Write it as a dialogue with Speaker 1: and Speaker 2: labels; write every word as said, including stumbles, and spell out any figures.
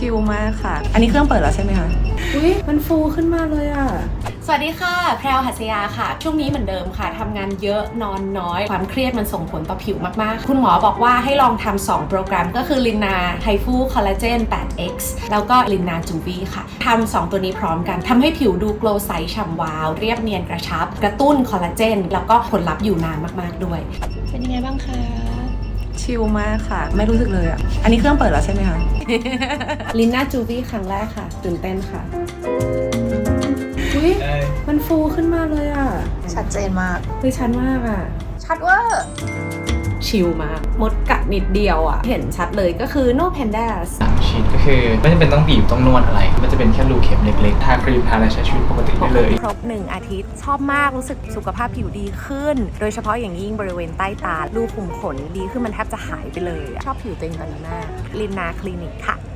Speaker 1: ชิลมากค่ะอันนี้เครื่องเปิดแล้วใช่ไหมคะอุ้ยมันฟูขึ้นมาเลยอ่ะ
Speaker 2: สวัสดีค่ะแพรวหัสยาค่ะช่วงนี้เหมือนเดิมค่ะทำงานเยอะนอนน้อยความเครียดมันส่งผลต่อผิวมากๆคุณหมอบอกว่าให้ลองทำสองโปรแกรมก็คือลินนาไฮฟูคอลลาเจน แปดเอ็กซ์ แล้วก็ลินนาจูวีค่ะทำสองตัวนี้พร้อมกันทำให้ผิวดูโกลว์ใสฉ่ำวาวเรียบเนียนกระชับกระตุ้นคอลลาเจนแล้วก็ผลลัพธ์อยู่นานมากๆด้วยเป็นยังไงบ้างคะ
Speaker 1: ชิลมากค่ะไม่รู้สึกเลยอ่ะอันนี้เครื่องเปิดแล้วใช่ไหมคะ
Speaker 2: ลินนาจูวีครั้งแรกค่ะตื่นเต้นค่ะอุ้ยมันฟูขึ้นมาเลยอ่ะ
Speaker 1: ชัดเจนมาก
Speaker 2: คือชัดมากอ่ะ
Speaker 1: ชัดเวอร์
Speaker 2: ชิลมากมดกัดนิดเดียวอ่ะเห็นชัดเลยก็คือ no pandas
Speaker 3: สามชิ้นก็คือไม่จำเป็นต้องบีบต้องนวดอะไรมันจะเป็นแค่รูเข็มเล็กๆทาครีมทาอะไรใช้ชีวิตปกติได้เลย
Speaker 4: ครบหนึ่งอาทิตย์ชอบมากรู้สึกสุขภาพผิวดีขึ้นโดยเฉพาะอย่างยิ่งบริเวณใต้ตารูขุมขนดีขึ้นมันแทบจะหายไปเลยชอบผิวตัวเองตอนนี้มากลินนาคลินิกค่ะ